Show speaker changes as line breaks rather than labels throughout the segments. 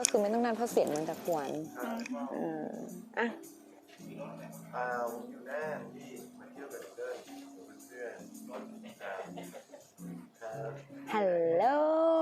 ก็คือไม่ต้องนั่นเพราะเสียงมันจะกวนอ่ะ
อยู่น่านที่มาเที่ยวกับเพื่อน
ฮัลโหล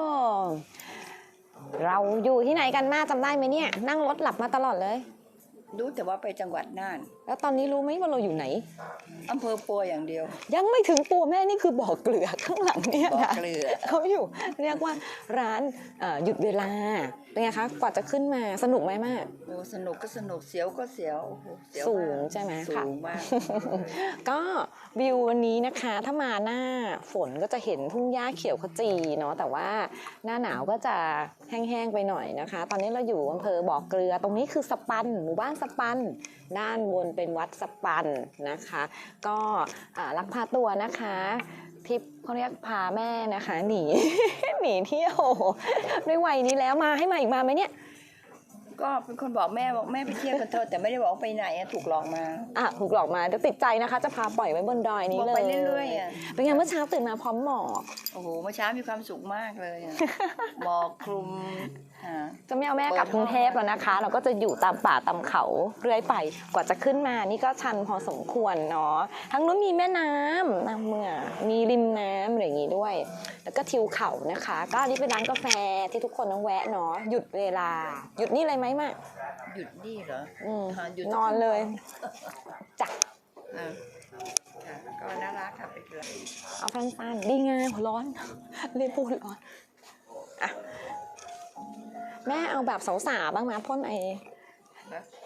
เราอยู่ที่ไหนกันมาจำได้ไหมเนี่ยนั่งรถหลับมาตลอดเลย
รู้แต่ว่าไปจังหวัดน่าน
แล้วตอนนี้รู้ไหมว่าเราอยู่ไหน
อำเภอปัวอย่างเดียว
ยังไม่ถึงปัวแม่นี่คือบ่อเกลือข้างหลังเนี่ยนะ
บ่อเกลือ
เขาอยู่เรียกว่าร้านหยุดเวลาเป็นไงคะกว่าจะขึ้นมาสนุกไหมมาก
โอ้สนุกก็สนุกเสียวก็เสียวเสียว
สูงใช่ไหม
สูงมาก
ก็วิววันนี้นะคะถ้ามาหน้าฝนก็จะเห็นทุ่งหญ้าเขียวขจีเนาะแต่ว่าหน้าหนาวก็จะแห้งๆไปหน่อยนะคะตอนนี้เราอยู่อำเภอบ่อเกลือตรงนี้คือสปันหมู่บ้านสปันด้านบนเป็นวัดสปันนะคะก็ลักพาตัวนะคะทิปเขาเรียกพาแม่นะคะหนี หนีเที่ยวด้วยวัยนี้แล้วมาให้มาอีกมาไหมเนี่ย
ก็เป็นคนบอกแม่ไปเที่ยวกันเถอะแต่ไม่ได้บอกไปไหนถูกหลอกมา
ถูกหลอกมาเดี๋ยวติดใจนะคะจะพาปล่อยไว้บนดอยนี้เลย
ไปเรื่อยๆ
เป็นไงเมื่อเช้าตื่นมาพร้อมหมอก
โอ้โหเมื่อเช้ามีความสุขมากเลยหมอกคลุม
จะไม่เอาแม่กลับกรุงเทพแล้วนะคะเราก็จะอยู่ตามป่าตามเขาเรื่อยไปกว่าจะขึ้นมานี่ก็ชันพอสมควรเนาะทั้งนู้นมีแม่น้ำน้ำเมื่อมีริมน้ำอะไรอย่างงี้ด้วยแล้วก็ทิวเขานะคะก็อันนี้เป็นร้านกาแฟที่ทุกคนต้องแวะเนาะหยุดเวลาหยุดนี่เลยไหมมา
หยุดนี่เหรอ
หยุดนอนเลยจ้ะ
ก็น่ารักค่ะไปเถอะ
เอาสั้นๆดีงามร้อนเรียกพูดร้อนอ่ะแม่เอาแบบสาวๆบ้างไหมพ่นไอ